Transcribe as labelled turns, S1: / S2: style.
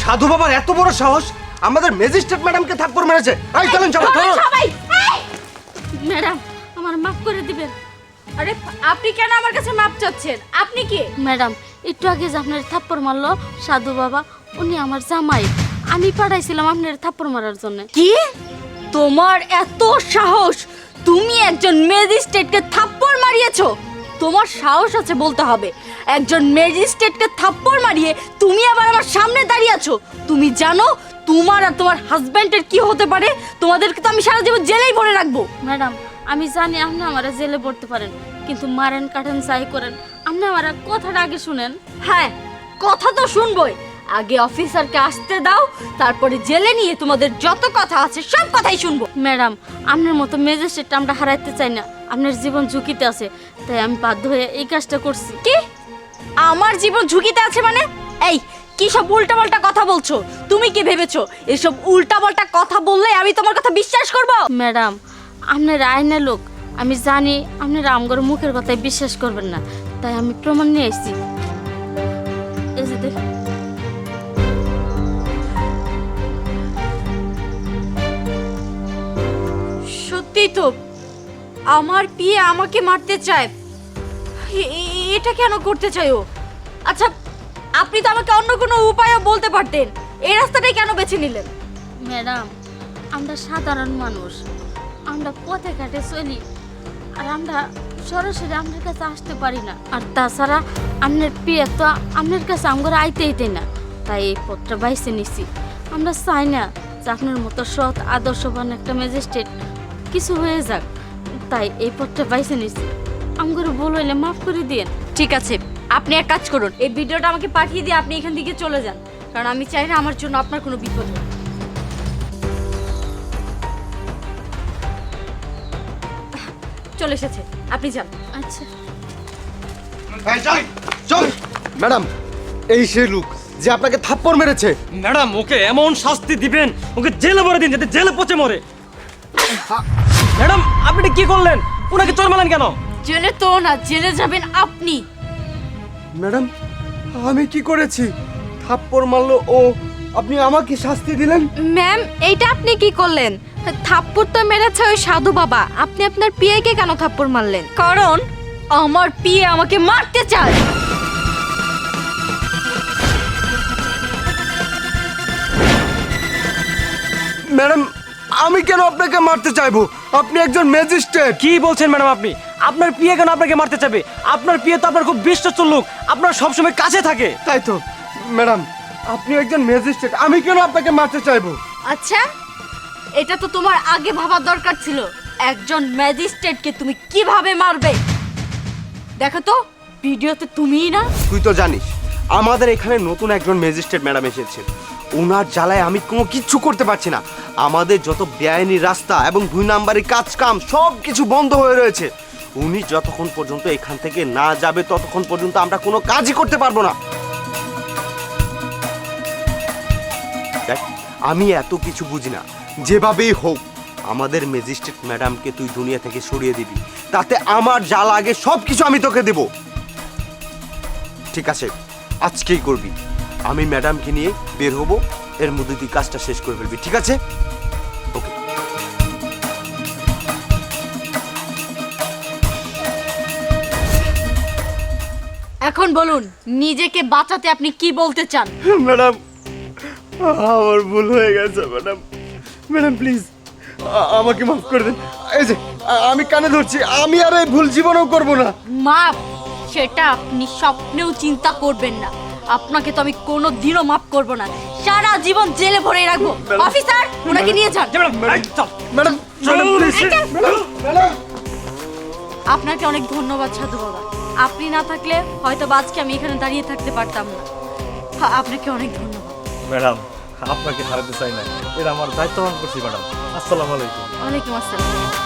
S1: সাধু বাবার এত বড় সাহস আমাদের ম্যাজিস্ট্রেট ম্যাডামকে থাপ্পড় মেরেছে। এই চলেন
S2: সবাই ম্যাডাম আমার মাফ করে দিবেন।
S3: আরে আপনি কেন আমার কাছে মাপ চাচ্ছেন? আপনি কে?
S2: ম্যাডাম একটু আগে যে আপনার থাপ্পড় মারলো সাধু বাবা, উনি আমার জামাই। আমি পাঠাইছিলাম আপনার থাপ্পড় মারার জন্য।
S3: কি? তোমার এত সাহস? তুমি একজন ম্যাজিস্ট্রেটকে থাপ্পড় মারিয়েছো? তোমার সাহস আছে বলতে হবে। একজন ম্যাজিস্ট্রেটকে থাপ্পড় মারিয়ে তুমি আবার আমার সামনে দাঁড়িয়ে আছো। তুমি জানো তোমার আর তোমার হাজবেন্ডের কি হতে পারে? তোমাদেরকে তো আমি সারা জীবন জেলেই ভরে রাখবো।
S2: ম্যাডাম আমি জানি আপনি আমার জেলে পড়তে পারেন, কিন্তু মারেন কাটেন যাই করেন আপনি আমার কথাটা আগে শুনেন।
S3: হ্যাঁ, কথা তো শুনবোই। আগে অফিসারকে আসতে দাও, তারপরে জেলে নিয়ে তোমাদের যত কথা আছে সব কথাই শুনবো।
S2: ম্যাডাম আপনার মতো ম্যাজিস্ট্রেট আমরা হারাইতে চাই না, আপনার জীবন ঝুঁকিতে আছে, তাই আমি বাধ্য হয়ে এই কাজটা করছি।
S3: কি? আমার জীবন ঝুঁকিতে আছে মানে? এই কি সব উল্টাপাল্টা কথা বলছো? তুমি কি ভেবেছো এসব উল্টাপাল্টা কথা বললে আমি তোমার কথা বিশ্বাস করব?
S2: ম্যাডাম আপনার আইনের লোক, আমি জানি আপনারা আমগর মুখের কথায় বিশ্বাস করবেন না, তাই আমি প্রমাণ নিয়ে এসেছি। এই যে দেখুন।
S3: সত্যি তো আমার পিয়ে আমাকে মারতে চায়। এটা কেন করতে চাই ও? আচ্ছা আপনি তো আমাকে অন্য কোনো উপায়ও বলতে পারতেন, এই রাস্তাটাই কেন বেছে নিলেন?
S2: ম্যাডাম আমরা সাধারণ মানুষ, আমরা পথে ঘাটে চলি, আর আমরা সরাসরি আপনার কাছে আসতে পারি না। আর তাছাড়া আপনার পিয়ে তো আপনার কাছে আমগর আইতেই দেয় না, তাই এই পথটা বাইছে নিছি। আমরা চাই না যে আপনার মতো সৎ আদর্শবান একটা ম্যাজিস্ট্রেট কিছু হয়ে যাক, তাই এই পথটা বাইছে নিছি। আমগর ভুল হইলে মাফ করে দিন।
S3: ঠিক আছে, আপনি এক কাজ করুন, এই ভিডিওটা আমাকে পাঠিয়ে দিয়ে আপনি এখান থেকে চলে যান, কারণ আমি চাই না আমার জন্য আপনার কোনো বিপদ হোক। চলে এসেছে, আপনি যান।
S2: আচ্ছা
S1: চল। ম্যাডাম এই সেই লোক যে আপনাকে থাপ্পড় মেরেছে।
S4: ম্যাডাম ওকে এমন শাস্তি দিবেন, ওকে জেলে ভরে দিন যাতে জেলে পচে মরে। ম্যাডাম আপনি কি করলেন? ওনাকে চোর মারলেন কেন?
S3: জেলে তো না, জেলে যাবেন আপনি।
S1: ম্যাডাম আমি কি করেছি? থাপ্পড় মারলো ও, আপনি আমাকে শাস্তি দিলেন?
S3: ম্যাম এইটা আপনি কি করলেন? থাপ্পড় তো মেরেছে ওই সাধু বাবা, আপনি আপনার পিয়াকে কেন থাপ্পড় মারলেন? কারণ আমার পিয়ে আমাকে মারতে চায়।
S1: ম্যাডাম আমি কেন আপনাকে মারতে চাইবো? আপনি একজন ম্যাজিস্ট্রেট।
S4: কি বলছেন ম্যাডাম আপনি? আপনার পিয়ে কেন আপনাকে মারতে চাবে? আপনার পিয়ে তো আপনার খুব বিশ্বস্ত লোক, আপনার সবসময় কাছে থাকে।
S1: তাই তো ম্যাডাম, আপনি একজন ম্যাজিস্ট্রেট, আমি কেন আপনাকে মারতে চাইবো?
S3: আচ্ছা এটা তো তোমার আগে ভাবার দরকার ছিল, একজন ম্যাজিস্ট্রেটকে তুমি কিভাবে মারবে। দেখো তো ভিডিওতে তুমিই না।
S1: তুই তো জানিস আমাদের এখানে নতুন একজন ম্যাজিস্ট্রেট ম্যাডাম এসেছে, ওনার জ্বালায় আমি কোনো কিচ্ছু করতে পারছি না। আমাদের যত বেআইনি রাস্তা এবং 2 নাম্বারি কাজ কাম সব কিছু বন্ধ হয়ে রয়েছে। উনি যতক্ষণ পর্যন্ত এখান থেকে না যাবে ততক্ষণ পর্যন্ত আমরা কোনো কাজই করতে পারবো না। দেখ আমি এত কিছু বুঝি না, যেভাবেই হোক আমাদের ম্যাজিস্ট্রেট ম্যাডামকে তুই দুনিয়া থেকে সরিয়ে দিবি, তাতে আমার যা লাগে সব কিছু আমি তোকে দেব। ঠিক আছে আজকেই করবি। আমি ম্যাডামকে নিয়ে বের হব, এর মধ্যে তুই কাজটা শেষ করে ফেলবি, ঠিক আছে? ওকে।
S3: এখন বলুন নিজেকে বাঁচাতে আপনি কি বলতে চান?
S1: ম্যাডাম আমার ভুল হয়ে গেছে ম্যাডাম, ম্যাডাম প্লিজ আমাকে মাফ করে দিন। এই যে আমি কানে ধরছি, আমি আর এই ভুল জীবনেও করব না।
S3: মাপ সেটা আপনি স্বপ্নেও চিন্তা করবেন না, আপনাকে তো আমি কোনো দিনও মাফ করব না, সারা জীবন জেলে ভরে রাখবো। অফিসার ওনাকে নিয়ে যান।
S1: Madam please. ম্যাডাম
S3: আপনাকে অনেক ধন্যবাদ সাধু বাবা, আপনি না থাকলে হয়তো আজকে আমি এখানে দাঁড়িয়ে থাকতে পারতাম না। আপনাকে অনেক ধন্যবাদ।
S4: ম্যাডাম আপনাকে হারাতে চাই না, এটা আমার দায়িত্ব পালন করছি ম্যাডাম। আসসালামু আলাইকুম।
S3: ওয়ালাইকুম আসসালাম।